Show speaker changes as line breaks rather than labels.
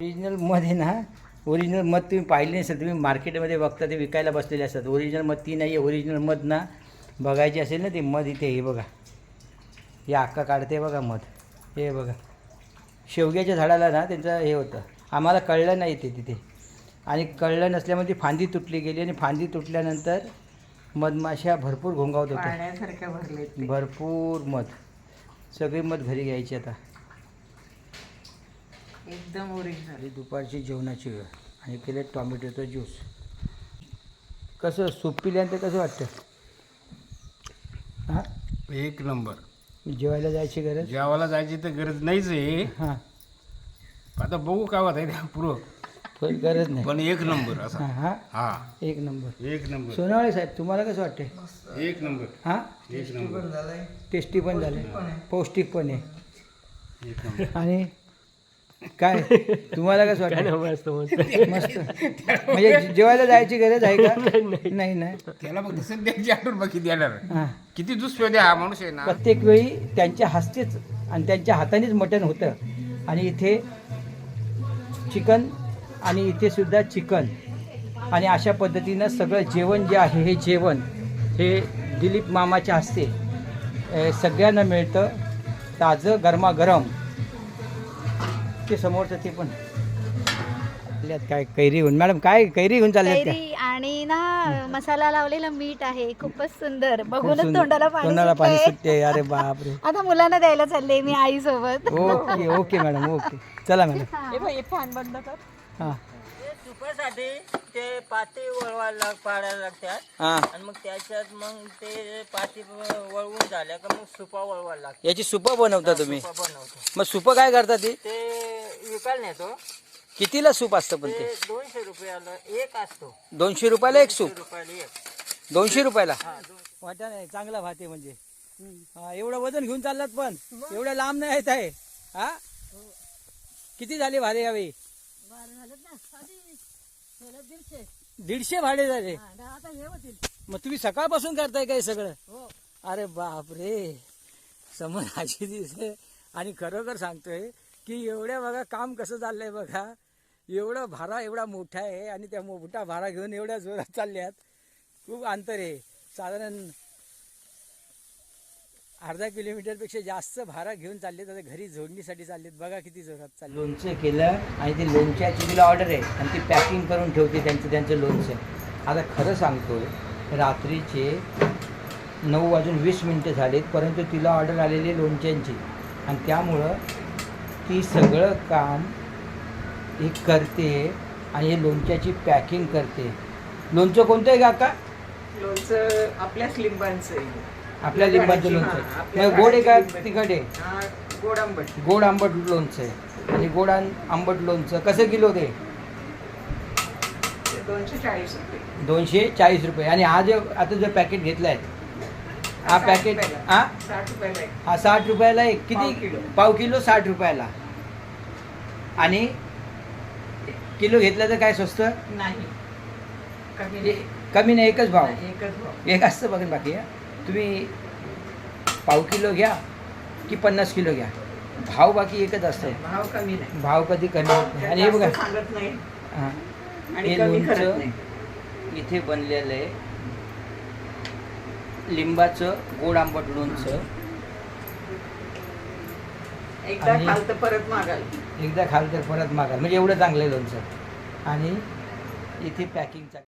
Original मध आहे ना, ओरिजिनल मध तुम्ही पाहिले नसेल, तुम्ही मार्केटमध्ये बघता ते विकायला बसलेले असतात. ओरिजिनल मध ती नाही आहे. ओरिजिनल मध ना बघायची असेल ना, ते मध इथे हे बघा, हे अक्का काढते बघा मध. हे बघा, शेवग्याच्या झाडाला ना त्यांचं हे होतं, आम्हाला कळलं नाही ते तिथे, आणि कळलं नसल्यामुळे ती फांदी तुटली गेली, आणि फांदी तुटल्यानंतर मधमाशा भरपूर घोंगावत होत्या, भरपूर मध. सगळी मध घरी घ्यायची आता.
एकदम ओरिजिनल.
दुपारची जेवणाची वेळ आणि केले टॉमॅटोचं ज्यूस. कसं सूप पिल्यानंतर कसं वाटतं? हां,
एक नंबर.
जेवायला जायची गरज?
जेवायला जायची तर गरज नाहीच आहे.
हां,
आता बघू काय होत आहे त्या पुरं,
पण गरज नाही.
पण एक नंबर असा.
हां,
हा,
एक नंबर.
एक नंबर,
सोनावळे साहेब, तुम्हाला कसं वाटते?
एक नंबर,
हां,
एक नंबर,
टेस्टी पण झाले, पौष्टिक पण आहे.
एक नंबर.
आणि काय तुम्हाला कसं वाटतं? मस्त. म्हणजे जेवायला जायची गरज आहे का? नाही नाही.
त्याला फक्त सध्याची आठवण बाकी देणार.
हां,
किती दुष्पदे हा माणूस आहे ना.
प्रत्येक वेळी त्यांच्या हस्तेच आणि त्यांच्या हातानेच मटण होतं. आणि इथे चिकन, आणि इथे सुद्धा चिकन, आणि अशा पद्धतीनं सगळं जेवण जे आहे, हे जेवण हे दिलीप मामाच्या हस्ते सगळ्यांना मिळतं, ताजं गरमागरम. ते समोरचं ते पण काय कैरी घेऊन, मॅडम काय कैरी घेऊन चालल्यात काय?
कैरी आणि ना मसाला लावलेला मीठ आहे, खूपच सुंदर.
खूप
बघूनच
सुंदर.
तोंडाला
तोंडाला पाणी
सुटलंय.
सुटते. अरे बापरे.
आता मुलांना द्यायला चालले मी आई सोबत.
Okay okay madam, okay. चला मॅडम.
फॅन बंद कर.
हां
सुपासाठी ते पाती वळवायला पाडायला लागतात,
हां,
आणि मग त्याच्यात मग ते पाती वळवून झाल्या का मग सुपा वळवायला लागतात.
याची सुपं बनवता तुम्ही?
सुपा बनवतो
मग सुपं काय करता ती?
ते विकायला नेतो.
कितीला सूप असतं पण
ते
ते?
200 रुपयाला एक असतो.
200 रुपयाला एक सूप?
200 रुपयाला एक.
200 रुपयाला?
हा,
वाटा नाही, चांगला भात आहे म्हणजे. हा, एवढं वजन घेऊन चाललात पण एवढ्या लांब नाही येत आहे. हा, किती झाले भाडे यावेळी? 150 भाडे झाले. मग तुम्ही सकाळपासून करताय काय सगळं? अरे बापरे, समोर अशी दिसते. आणि खरोखर सांगतोय की एवढ्या बघा काम कसं चाललंय बघा. एवढं भारा एवढा मोठा आहे, आणि त्या मोठा भारा घेऊन एवढ्या जोरात चालल्यात. खूप अंतर आहे, साधारण अर्धा किलोमीटरपेक्षा जास्त भारा घेऊन चाललेत. आता घरी जोडणीसाठी चाललेत. बघा किती जोरात चालले. लोणचं केलं, आणि ते लोणच्याची तिला ऑर्डर आहे, आणि ती पॅकिंग करून ठेवते त्यांचं लोणचं. आता खरं सांगतोय, रात्रीचे 9:20 झालेत, परंतु तिला ऑर्डर आलेली लोणच्यांची, आणि त्यामुळं ती सगळं काम हे करते, आणि हे लोणच्याची पॅकिंग करते. लोणचं कोणतं आहे काका?
लोणचं आपल्याच लिंबांचं आहे.
आपल्या लिंबाचं लोणचं आहे. मग गोड आहे का तिखट आहे?
गोड आंबट.
गोड आंबट लोणचं आहे. आणि गोड आंबट लोणचं कसं किलो ते?
240 रुपये.
240 रुपये. आणि हा जो आता जो पॅकेट घेतला आहे, हा पॅकेट हा
60 रुपयाला आहे.
हा 60 रुपयाला आहे.
पाव
किती?
किलो.
पाव किलो 60 रुपयाला. आणि किलो घेतलं तर काय स्वस्त?
नाही, कमी नाही.
कमी नाही, एकच भाव.
एकच भाव.
एक असतं बघा बाकी. तुम्ही पाव किलो घ्या की 50 किलो घ्या, भाव बाकी एकच असतं.
भाव कमी नाही.
भाव कधी कमी होत नाही. आणि हे बघा,
जास्त सांगत नाही
हां,
आणि
हे
कमी करत
लोणचं
नाही.
इथे बनलेलं आहे, लिंबाचं गोड आंबट लोणचं.
एकदा
आणि-
खाल तर परत मागाल.
एकदा खाल तर परत मागाल, म्हणजे एवढं चांगलं आहे लोणचं. आणि इथे पॅकिंगचा